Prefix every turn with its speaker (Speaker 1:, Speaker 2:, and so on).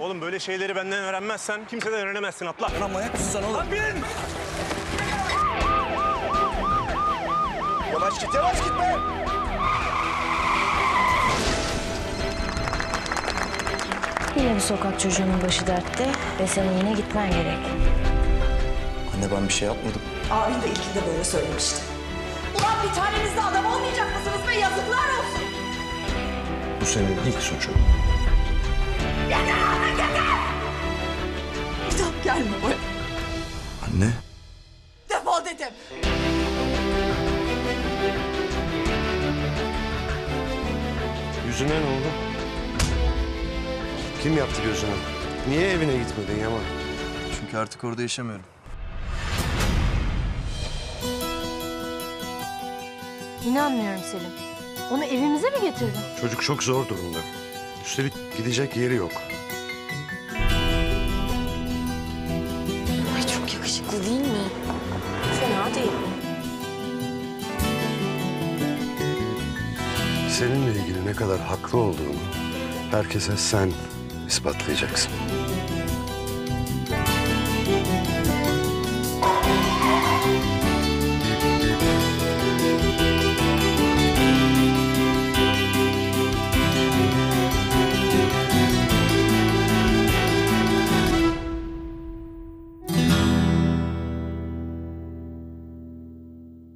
Speaker 1: Oğlum böyle şeyleri benden öğrenmezsen kimseden öğrenemezsin, atla.
Speaker 2: Lan manyak mısın sen oğlum?
Speaker 1: Lan bin!
Speaker 2: Yavaş git, yavaş gitme!
Speaker 3: Yine bir sokak çocuğunun başı dertte ve senin yine gitmen gerek.
Speaker 2: Anne ben bir şey yapmadım.
Speaker 4: Abin de ilkinde böyle söylemişti. Ulan bir taneniz de adam olmayacak mısınız be? Yazıklar olsun.
Speaker 2: Bu senin ilk suçun.
Speaker 4: Yeter artık yeter! Bir daha gelme buraya.
Speaker 2: Anne.
Speaker 4: Defol dedim.
Speaker 5: Yüzüne ne oldu? Kim yaptı gözünü? Niye evine gitmedin Yaman?
Speaker 2: Çünkü artık orada yaşamıyorum.
Speaker 3: İnanmıyorum Selim. Onu evimize mi getirdin?
Speaker 5: Çocuk çok zor durumda. Üstelik gidecek yeri yok.
Speaker 3: Ay çok yakışıklı değil mi? Fena değil.
Speaker 5: Seninle ilgili ne kadar haklı olduğunu herkese sen ispatlayacaksın.